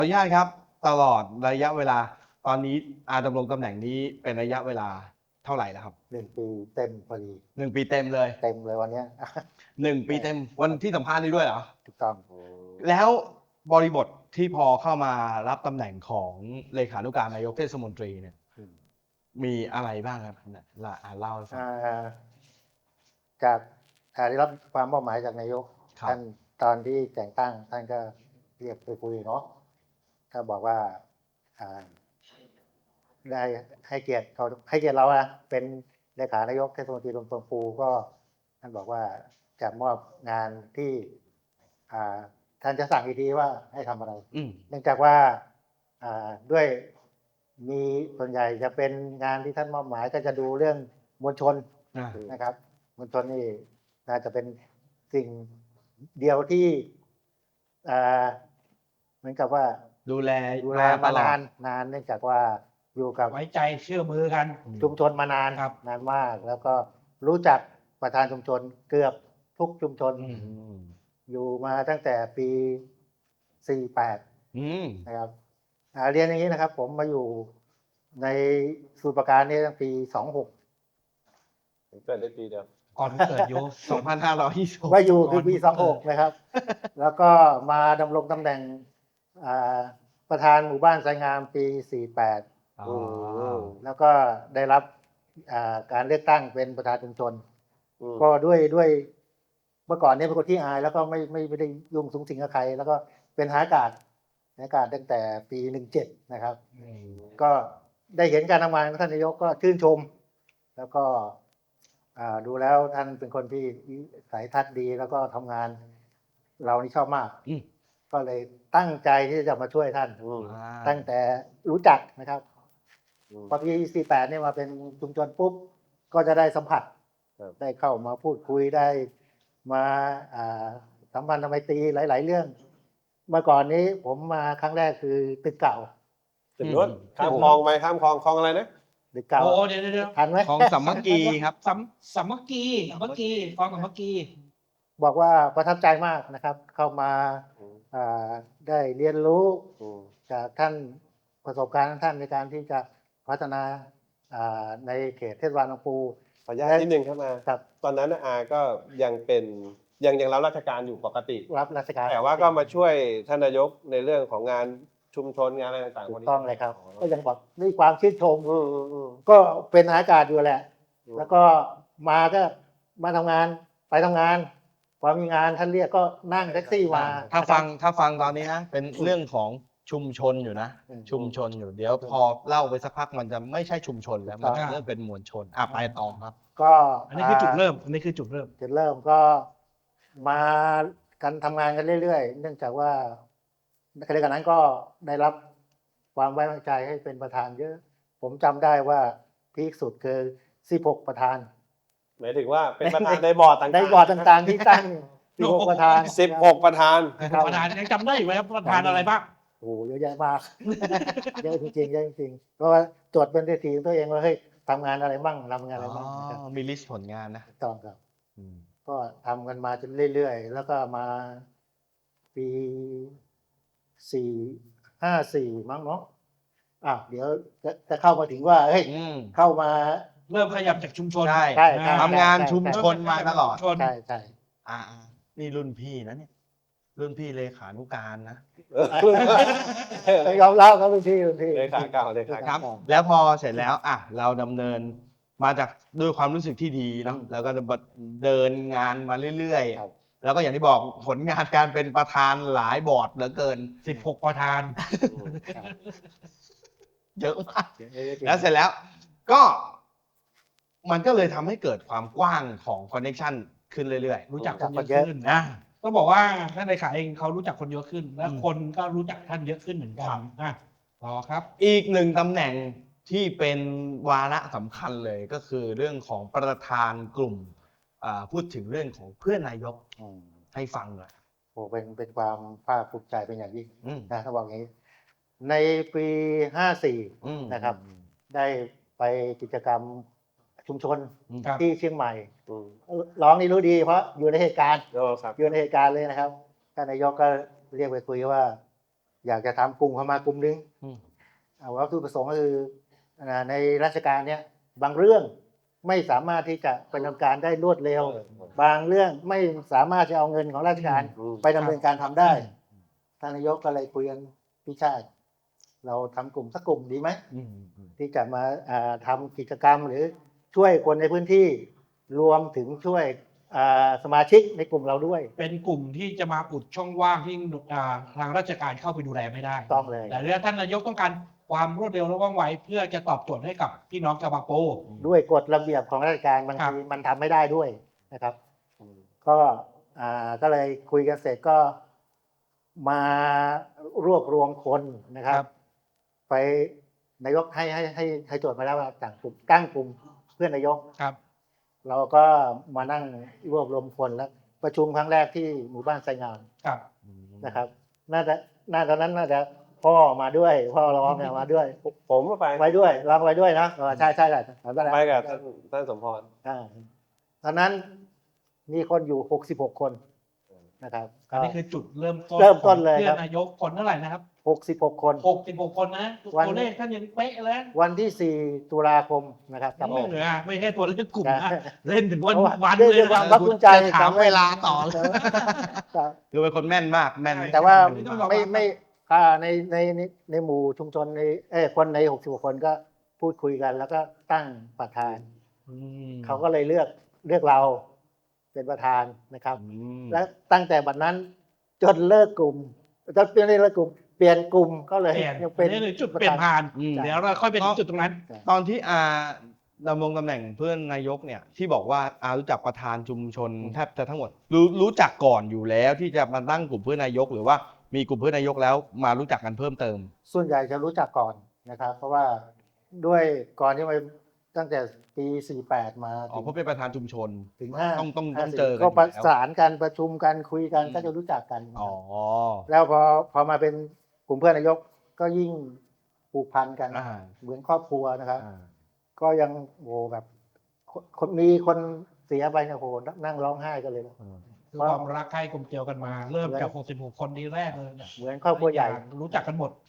ออนุญาตครับตลอดระยะเวลาตอนนี้ดำรงตำแหน่งนี้เป็นระยะเวลาเท่าไหร่แล้วครับ 1 ปีเต็มพอดี 1 ปีเต็มเลยเต็มเลยวันเนี้ย 1 ปีเต็มวันที่สัมภาษณ์นี้ด้วยเหรอถูกต้องแล้วบริบทที่พอเข้ามารับตำแหน่งของเลขานุการนายกเทศมนตรีเนี่ยมีอะไรบ้างครับเล่าให้ฟังจากได้รับความมอบหมายจากนายกท่านตอนที่แต่งตั้งท่านก็เรียกไปคุยเนาะก็บอกว่าได้ให้เกียรติเราอะเป็นเลขานายกเทศมนตรีลำพูก็ท่านบอกว่าจะมอบงานที่ท่านจะสั่งอีกทีว่าให้ทำอะไรเนื่องจากว่าด้วยมีส่วนใหญ่จะเป็นงานที่ท่านมอบหมายก็จะดูเรื่องมวลชนนะครับมวลชนนี่น่าจะเป็นสิ่งเดียวที่เหมือนกับว่าดูแลมานานเนื่องจากว่าอยู่กับไว้ใจเชื่อมือกันชุมชนมานานนานมากแล้วก็รู้จักประธานชุมชนเกือบทุกชุมชนอยู่มาตั้งแต่ปี48นะครับเรียนอย่างนี้นะครับผมมาอยู่ในสมุทรปราการนี่ตั้งปี26 เกิดได้ปีเดียวก่อนเกิดอยู่ 2526 มาอยู่คือปี26นะครับแล้วก็มาดำรงตำแหน่งประธานหมู่บ้านไซงามปี48แล้วก็ได้รับการเลือกตั้งเป็นประธานชุมชนก็ด้วยเมื่อก่อนนี้เป็นคนที่อายแล้วก็ไม่ได้ยุ่งสุงสิงกับใครแล้วก็เป็นทหารอากาศตั้งแต่ปี17นะครับก็ได้เห็นการทำงานของท่านนายกก็ชื่นชมแล้วก็ดูแล้วท่านเป็นคนที่สายทัศน์ดีแล้วก็ทำงานเรานี่ชอบมากก็เลยตั้งใจที่จะมาช่วยท่านตั้งแต่รู้จักนะครับพอปี48เนี่ยมาเป็นชุมชนปุ๊บก็จะได้สัมผัสได้เข้ามาพูดคุยได้มาสัมพันธ์ไมตรีหลายๆเรื่องเมื่อก่อนนี้ผมมาครั้งแรกคือตึกเก่าตึกนู้นข้ามคลองไปข้ามคลองอะไรนะตึกเก่าโอ้เดี๋ยวทันไหมของสามัคคีครับสามัคคีคลองสามัคคีบอกว่าประทับใจมากนะครับเข้ามาได้เรียนรู้จากท่านประสบการณ์ของท่านในการที่จะพัฒนาในเขตเทศบาลลำพูนขออนุญาตนิดนึงครับมาตอนนั้นก็ยังเป็นยังรับราชการอยู่ปกติรับราชการแต่ว่าก็มาช่วยท่านนายกในเรื่องของงานชุมชนงานอะไรต่างๆถูกต้องเลยครับก็ยังบอกด้วยความชื่นชมก็เป็นอากาศอยู่แหละแล้วก็มาทำงานไปทำงานพอมีงานท่านเรียกก็นั่งแท็กซี่มาถ้าฟังตอนนี้นะเป็นเรื่องของชุมชนอยู่นะชุมชนอยู่เดี๋ยวพอเล่าไปสักพักมันจะไม่ใช่ชุมชนแล้วมันเริ่มเป็นมวลชนไปต่อครับก็อันนี้คือจุดเริ่มก็มากันทำงานกันเรื่อยๆเนื่องจากว่าในขณะนั้นก็ได้รับความไว้วางใจให้เป็นประธานเยอะผมจำได้ว่าพีคสุดคือ16ประธานหมายถึงว่าเป็นประธานในบอร์ดต่างๆที่ตั้ง16ประธาน 16ประธานยังจำได้อยู่ไหมครับประธานอะไรบ้างโอ้เยอะแยะมากเยอะจริงๆเยอะจริงๆเพราะว่าจดเป็นทีตัวเองว่าเฮ้ยทำงานอะไรบ้างทำงานอะไรบ้างมีลิสต์ผลงานนะต้องครับก็ทำกันมาจนเรื่อยๆแล้วก็มาปี54มั้งเนาะเดี๋ยวจะเข้ามาถึงว่าเฮ้ยเข้ามาเริ่มขยับจากชุมชนใช่ทำงานชุมชนมาตลอดใช่นี่รุ่นพี่นะเนี่ยรุ่นพี่เลขานุการนะยอมรับครับรุ่นพี่เลขาเก่าครับแล้วพอเสร็จแล้วเราดำเนินมาจากด้วยความรู้สึกที่ดีเนาะแล้วก็เดินงานมาเรื่อยๆแล้วก็อย่างที่บอกผลงานการเป็นประธานหลายบอร์ดเหลือเกิน 16ประธานเยอะมากแล้วเสร็จแล้วก็มันก็เลยทำให้เกิดความกว้างของคอนเนคชั่นขึ้นเรื่อยๆรู้จักคนเยอะขึ้นนะต้องบอกว่าท่านเลขาเองเขารู้จักคนเยอะขึ้นและคนก็รู้จักท่านเยอะขึ้นเหมือนกันต่อครับอีกหนึ่งตำแหน่งที่เป็นวาระสำคัญเลยก็คือเรื่องของประธานกลุ่มพูดถึงเรื่องของเพื่อนนายกให้ฟังหน่อยโอ้เป็นความภาคภูมิใจเป็นอย่างยิ่งนะถ้าบอกอย่างนี้ในปี54นะครับได้ไปกิจกรรมชุมชนที่เชียงใหม่ร้องนี่รู้ดีเพราะอยู่ในเหตุการณ์เลยนะครับท่านนายกก็เรียกไปคุยว่าอยากจะทำกลุ่มเข้ามากลุ่มนึงอืมวัตถุประสงค์ก็คือในราชการเนี้ยบางเรื่องไม่สามารถที่จะไปดำเนินการได้รวดเร็ว บางเรื่องไม่สามารถจะเอาเงินของราชการอืมไปดำเนินการทำได้ท่านนายกก็เลยคุยกันพี่ชาติ เราทำกลุ่มสักกลุ่มดีไหม ที่จะมาทำกิจกรรมหรือช่วยคนในพื้นที่รวมถึงช่วยสมาชิกในกลุ่มเราด้วยเป็นกลุ่มที่จะมาอุดช่องว่างที่ทางราชการเข้าไปดูแลไม่ได้ต้องเลยแต่เรื่องท่านนายกต้องการความรวดเร็วและว่องไวเพื่อจะตอบโจทย์ให้กับพี่น้องชาวบางปูด้วยกฎระเบียบของราชการบางครับทีมันทำไม่ได้ด้วยนะครับ ก็เลยคุยกันเสร็จก็มารวบรวมคนนะครับ ไปนายกให้โจทย์มาแล้วว่าต่างกลุ่มตั้งกลุ่มเพื่อนนายกครับเราก็มานั่งรวบรวมคนแล้วประชุมครั้งแรกที่หมู่บ้านไซงามครับนะครับ น่าตอนนั้นน่าจะพ่อมาด้วยพ่อร้องเนี่ยมาด้วยผมก็ไปไปด้วยร้องไปด้วยนะใช่ใช่ไปกับท่านสมพรตอนนั้นมีคนอยู่66 คนนะครับอันนี้คือจุดเริ่มต้นเริ่มต้นเลยพื่ครับอนนายกคนเท่าไหร่นะครับ 66 คน 66 คนนะวันตัวเลขท่านยังเป๊ะเลยวันที่ 4 ตุลาคมนะครับจำไม่ได้เหลือไม่ใช่ตัวเลขกลุ่มนะใช่เล่นถึงวันเพราะว่าเลยด้วยความภาคภูมิใจจะถามเวลาต่อเลยแต่คือเป็นคนแม่นมากแม่นแต่ว่าไม่ต้องรอไม่ในหมู่ชุมชนคนใน66 คนก็พูดคุยกันแล้วก็ตั้งประธานอืมเขาก็เลยเลือกเราเป็นประธานนะครับ และตั้งแต่บัดนั้นจนเลิกกลุ่มจนเปลี่ยนเลิกกลุ่มเปลี่ยนกลุ่มก็เลยเปลี่ยนยังเป็นนี่คือจุดเปลี่ยนผ่านอืมเดี๋ยวเราค่อยไปถึงจุดตรงนั้นตอนที่ดำรงตำแหน่งเพื่อนนายกเนี่ยที่บอกว่ารู้จักประธานชุมชนแทบจะทั้งหมดรู้จักก่อนอยู่แล้วที่จะมาตั้งกลุ่มเพื่อนนายก หรือว่ามีกลุ่มเพื่อนนายกแล้วมารู้จักกันเพิ่มเติมส่วนใหญ่จะรู้จักก่อนนะครับ เพราะว่าด้วยก่อนที่มาตั้งแต่ปี 48 มาอ๋อเพราะเป็นประธานชุมชนถึงต้อง 50 เจอกันก็ประอยู่แล้วสานกันประชุมกันคุยกันอืมก็จะรู้จักกันนะอ๋คอรับแล้วพอมาเป็นกลุ่มเพื่อนนายกก็ยิ่งผูกพันกันอ่าเหมือนครอบครัวนะครับอ่าก็ยังโหแบบมีคนเสียไปเนี่ยโหนั่งร้องไห้กันเลยนะคือความรักใคร่กลมเกลียวกันมา เริ่มจาก 66 คนทีแรกเลยเนี่ยเหมือนครอบครัวใหญ่รู้จักกันหมด